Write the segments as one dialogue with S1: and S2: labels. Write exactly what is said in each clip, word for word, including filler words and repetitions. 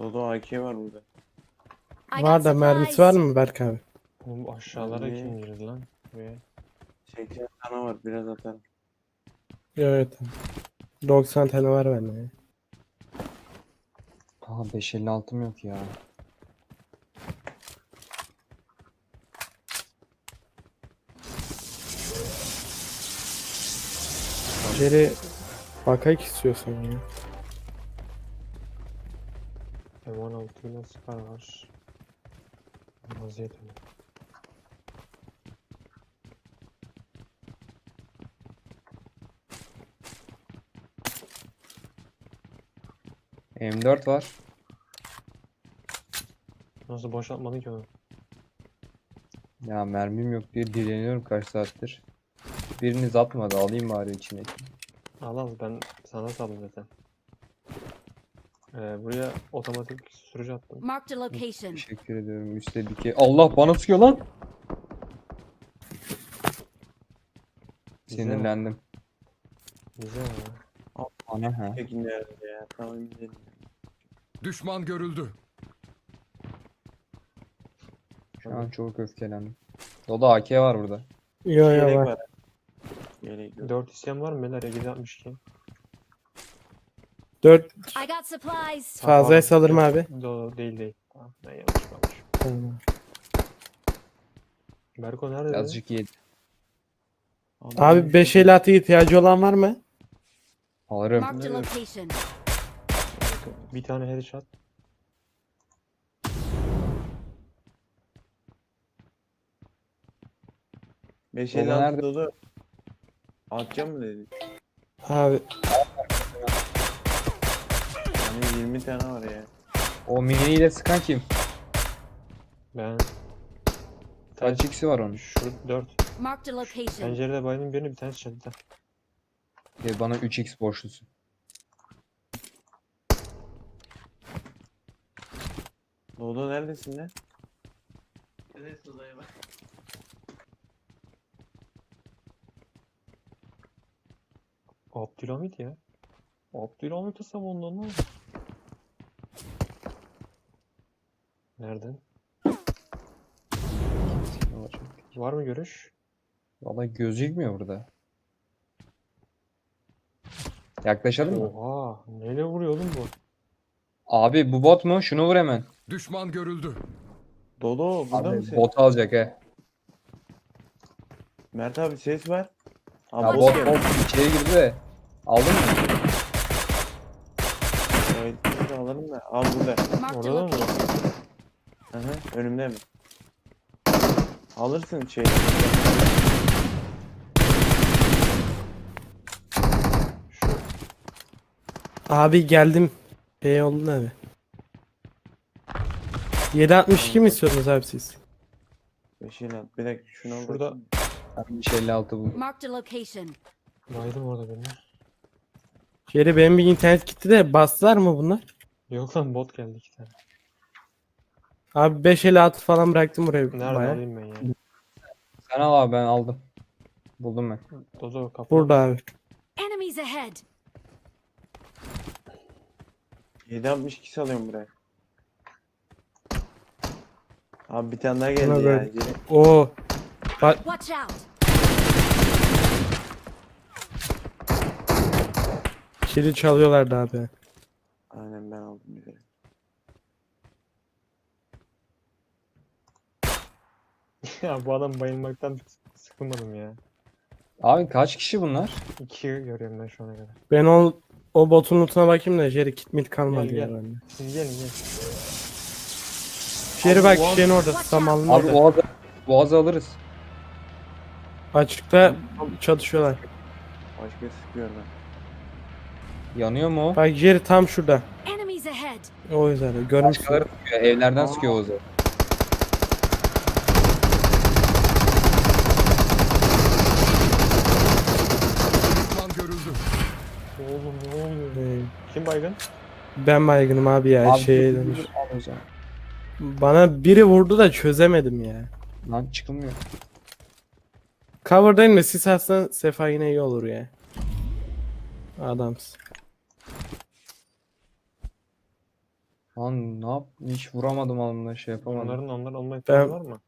S1: Dodo A K var burada.
S2: I got
S3: Var da mermisi var
S2: supplies.
S3: mı Berk abi?
S4: Oğlum aşağılara
S1: Abi.
S4: kim girdi lan? Buraya.
S1: seksen tane var biraz atarım.
S3: Evet. doksan tane var bende ya.
S5: Aa beş elli altım yok ya.
S3: Jerry bakayım istiyorsan ya.
S4: M on altı ile Scar var. Vaziyet öyle.
S5: M dört var.
S4: Nasıl boşaltmadın ki onu?
S5: Ya mermim yok diye dileniyorum kaç saattir. Biriniz atmadı, alayım bari içine.
S4: Al al, ben sana saldım zaten. Ee, buraya otomatik sürücü attım.
S2: Marked a location.
S5: Teşekkür ediyorum. Üstte dikey. Allah bana sıkıyor lan.
S4: Güzel mi?
S5: Sinirlendim.
S4: Güzel ya.
S5: Ana ha.
S1: Tekin nerede ya? Tamam gidelim.
S6: Düşman görüldü.
S5: Şu an çok öfkelendim. Doda A K var burada.
S3: Yo yo
S1: Yelek
S3: var.
S1: var. Yelek yok.
S4: dört isyan var mı beyler? yedi altmış iki.
S3: dört
S2: I got supplies.
S3: fazlaya salırım abi.
S4: Do değil değil. Tamam, ben yanlış kalmış.
S3: Tamam.
S4: Berko nerede? dedi?
S5: Azıcık yedi.
S3: Abi beş elli altı ihtiyacı olan var mı?
S5: Alırım.
S2: Marked a location.
S4: Bir tane headshot.
S1: beş
S5: Dodo
S1: elli altı
S5: nerede?
S1: Dodo. Atacağım mı dedi?
S3: Abi
S1: Yani yirmi tane var ya.
S5: O miniyle sıkan kim?
S4: Ben
S5: Kaç x'i var onun?
S4: şu dört.
S2: Marked a location.
S4: Pencerede baydım birini, bir tanesi çatıda.
S5: E, bana üç x borçlusun.
S1: Dodo neredesin lan? Neredesin Dodo'ya bak.
S4: Abdülhamit ya. Abdülhamit ısam ondan ne? Nereden? Var mı görüş?
S5: Valla gözükmüyor burada. Yaklaşalım mı?
S4: Oha, neyle vuruyor oğlum bu?
S5: Abi bu bot mu? Şunu vur hemen.
S6: Düşman görüldü.
S1: Dodo burada
S5: Abi
S1: mısın?
S5: bot alacak he.
S1: Mert abi ses var.
S5: Ya
S1: Abi
S5: bot
S1: bot
S5: bot içeri girdi de. Aldın mı?
S1: Evet, biz de alalım da. Al burada.
S2: Marked a
S4: Orada mı?
S2: location.
S1: Hı hı. Önümde mi? Alırsın şey.
S4: Şu
S3: abi geldim. Şey oldu abi. yedi altmış iki mi istiyorsunuz abi siz?
S1: beş elli altı. Bir dakika şunu al.
S4: Şurada-
S1: bakayım.
S5: Ben beş elli altı buldum.
S2: Marked a location.
S4: baydım orada birini.
S3: Jerry benim bir internet gitti de bastılar mı bunlar?
S4: Yok lan, bot geldi iki tane.
S3: Abi beş elli altı falan bıraktım buraya
S4: Nerede
S3: baya.
S4: alayım ben ya?
S5: Sen al abi, ben aldım. Buldum ben.
S4: Dozo kapı.
S3: Burada abi.
S2: Enemies ahead.
S1: yedi altmış iki alıyorum buraya. Abi bir tane daha geldi
S3: Buna
S1: ya.
S3: böyle-
S1: Gelin.
S3: Oo. Bak
S2: Watch out.
S3: kili çalıyorlardı abi.
S1: Aynen ben aldım bir de.
S4: Ya bu adam bayılmaktan sıkılmadım ya.
S5: Abi kaç kişi bunlar?
S4: İki görüyorum ben şu ana kadar.
S3: Ben o o botun lootuna bakayım da Jerry kit mit kalmadı
S4: Gel,
S3: ya
S4: gel.
S3: bende.
S4: Şimdi gelin gel.
S3: Jerry bak
S4: Abi,
S3: şeyin orada
S2: Watch
S3: samanlığın
S5: Abi
S3: orada.
S5: boğazı, boğazı alırız.
S3: Açıkta çatışıyorlar.
S1: Başka sıkıyorlar.
S5: Yanıyor mu o?
S3: Bak Jerry tam şurada.
S2: Enemies ahead.
S3: O yüzden görmüşsün.
S5: Başkaları sıkıyor. Evlerden sıkıyor Oğuz'u.
S6: Düşman görüldü.
S4: Oğlum ne oluyor?
S3: Ee,
S4: Kim baygın?
S3: ben baygınım abi ya
S5: Abi
S3: şeye
S5: dur, dur,
S3: dönüş.
S5: dur, al o zaman.
S3: Bana biri vurdu da çözemedim ya.
S5: Lan çıkılmıyor.
S3: Cover'dayım da sis atsan Sefa yine iyi olur ya. Adamsın.
S5: Lan ne yap? Hiç vuramadım onunla şey yapamadım.
S4: Onların onların olma
S3: Ben-
S4: ihtimali var mı?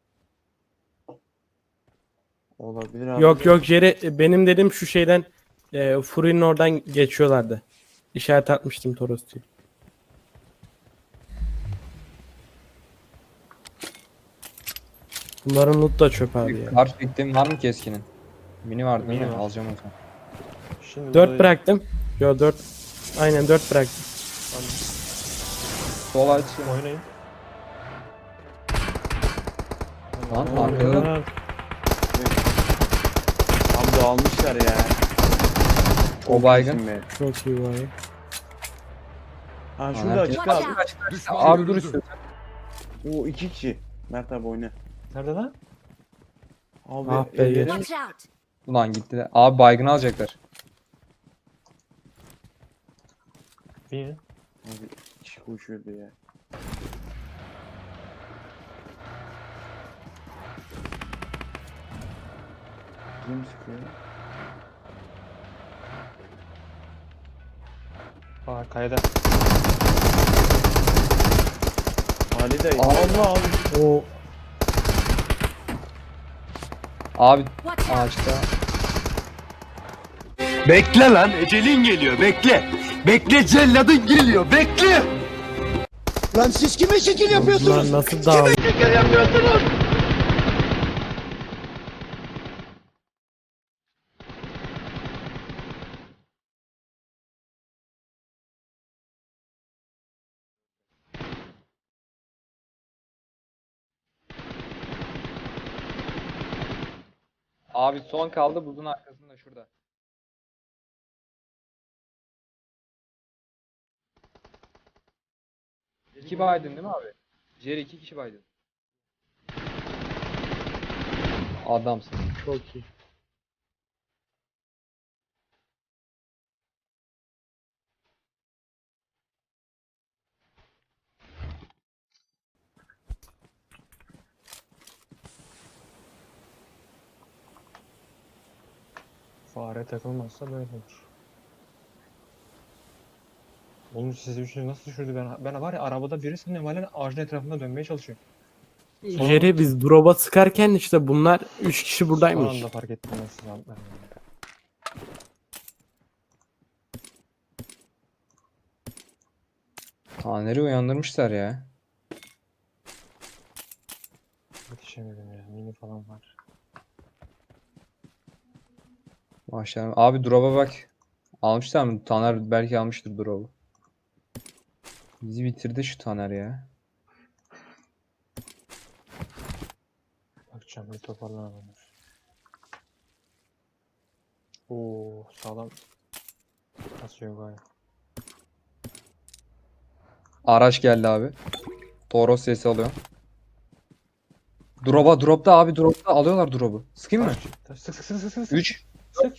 S1: Olabilir abi.
S3: Yok
S1: de.
S3: yok Jerry benim dedim şu şeyden e, Fury'nin oradan geçiyorlardı. İşaret atmıştım Toros diye. Bunların loot da çöp abi ya.
S5: Kar çektiğim var mı keskinin? Mini vardı değil
S4: Mini
S5: mi?
S4: var.
S5: Alacağım o zaman.
S4: Şimdi
S3: dört
S4: burada-
S3: bıraktım. Yo dört. Aynen dört bıraktım.
S5: Sol aç.
S4: Oynayın.
S5: Lan
S4: Ne oluyor
S5: arkada.
S4: lan?
S1: Abi almışlar ya.
S5: O baygın.
S1: iyisin be.
S3: Çok iyi var.
S1: Ha şurada
S5: Anarki-
S1: açık
S2: Watch
S1: abi.
S2: out!
S6: Düşman
S5: Abi dur
S6: görüldü.
S5: istiyorsan.
S1: Oo iki kişi. Mert abi oyna.
S4: Nerede lan?
S1: Abi
S3: Ah be,
S1: ellerin-
S2: Watch out!
S5: Ulan gittiler. Abi baygın alacaklar.
S4: Bir.
S1: Abi iki kişi koşuyordu ya. Kim sıkıyor?
S4: Aa kayada.
S1: Ali dayı.
S5: Allah.
S1: Allah abi.
S3: O
S5: Abi
S2: Watch out!
S5: ağaçta.
S7: Bekle lan ecelin geliyor bekle. Bekle celladın geliyor bekle. Lan siz kime şekil
S3: bunlar nasıl dağılıyor?
S7: şekil yapıyorsunuz?
S5: Abi son kaldı buzun arkasında şurada. İki baydın değil mi abi? Jerry iki kişi baydın. Adamsın.
S3: Çok iyi.
S4: Fare takılmazsa böyle olur. Oğlum sizi üçünü nasıl düşürdü? Ben, ben var ya arabada biri sanıyorum hala ağacın etrafında dönmeye çalışıyor.
S3: Jerry biz drop'a sıkarken işte bunlar üç kişi
S4: Son
S3: buradaymış.
S4: anda fark ettim ben sizi antlarım.
S5: Taner'i uyandırmışlar ya.
S4: Yetişemedim ya. Mini falan var.
S5: Maşallah. Abi drop'a bak. Almışlar mı? Taner belki almıştır drop'u. Bizi bitirdi şu Taner ya.
S4: Bakacağım bir toparlanalım. Oo sağlam. Kasıyor gayet.
S5: Araç geldi abi. Toros sesi alıyor. Drop'a drop'ta abi drop'ta alıyorlar drop'u. Sıkayım mı?
S4: Sık sık sık sık sık sık.
S5: üç.
S4: Sık.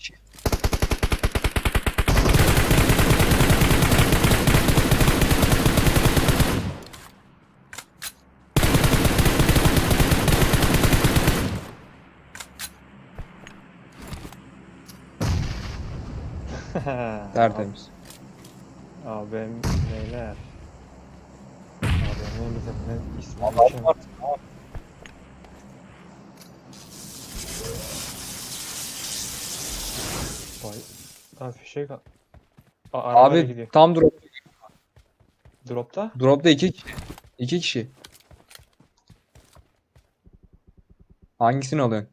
S5: Tertemiz.
S4: Abim neyler? Abim ne bizim ne ismi
S5: Adam
S4: geçen-
S5: var.
S4: Vay. Lan fişek al. Aa, arabayla
S5: Abi
S4: gidiyor.
S5: tam drop.
S4: Dropta.
S5: Drop'ta iki kişi. İki kişi. Hangisini alıyorsun?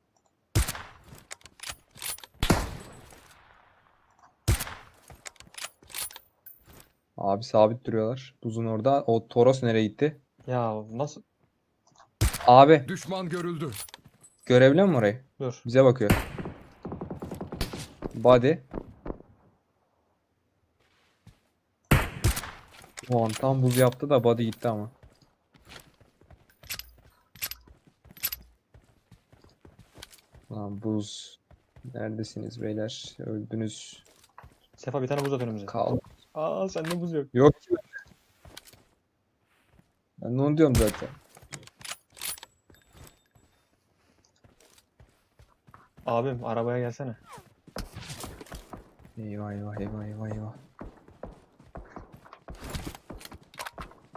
S5: Abi sabit duruyorlar. Buzun orada. O Toros nereye gitti?
S4: Ya nasıl?
S5: Abi
S6: Düşman görüldü.
S5: görebiliyor musun orayı?
S4: Dur.
S5: Bize bakıyor. Body. O an tam buz yaptı da body gitti ama. Lan buz. Neredesiniz beyler? Öldünüz.
S4: Sefa bir tane buz at önümüze.
S5: Kal.
S4: Aa sende buz yok.
S5: Yok ki. Ben de onu diyorum zaten.
S4: Abim arabaya gelsene.
S5: Eyvah eyvah eyvah eyvah eyvah.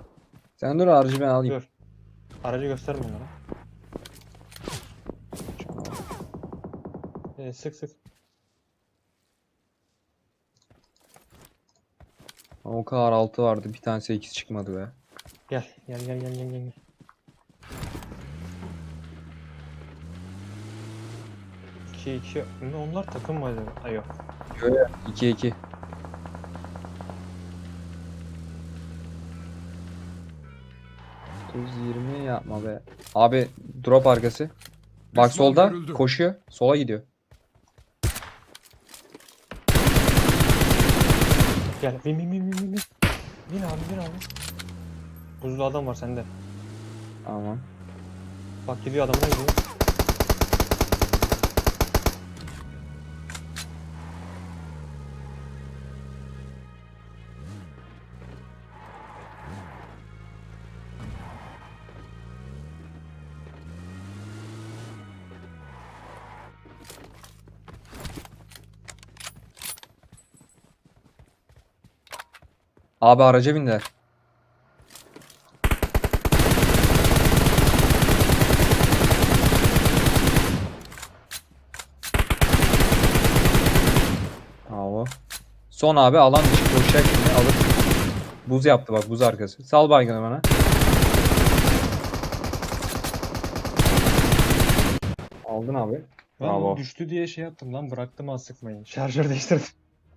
S5: Sen dur aracı ben alayım.
S4: Dur. Aracı gösterme onlara. Ee, sık sık.
S5: O kadar altı vardı. Bir tane sekiz çıkmadı be.
S4: Gel gel gel gel gel gel. iki iki. Ne onlar takım mı acaba? Ay yok.
S5: iki iki. otuz yirmi yapma be. Abi drop arkası. Bak
S6: Düşman
S5: solda
S6: görüldü.
S5: koşuyor. Sola gidiyor.
S4: Gel. Bin bin bin bin bin. bin. Bin abi bin abi. Buzlu adam var sende.
S5: Tamam.
S4: Bak gidiyor adamına gidiyor.
S5: Abi araca bindiler. Bravo. Son abi alan dışı koşacak şimdi alır. Buz yaptı bak buz arkası. Sal baygını bana. Aldın abi.
S4: Ben
S5: Bravo.
S4: düştü diye şey yaptım lan bıraktım az sıkmayın. Şarjör değiştirdim.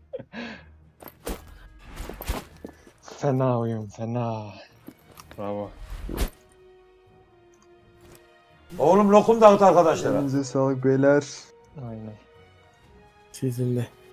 S4: Fena oyun fena. Bravo.
S7: Oğlum lokum dağıt arkadaşlara.
S5: Elinize sağlık beyler.
S4: Aynen.
S3: Sizin de.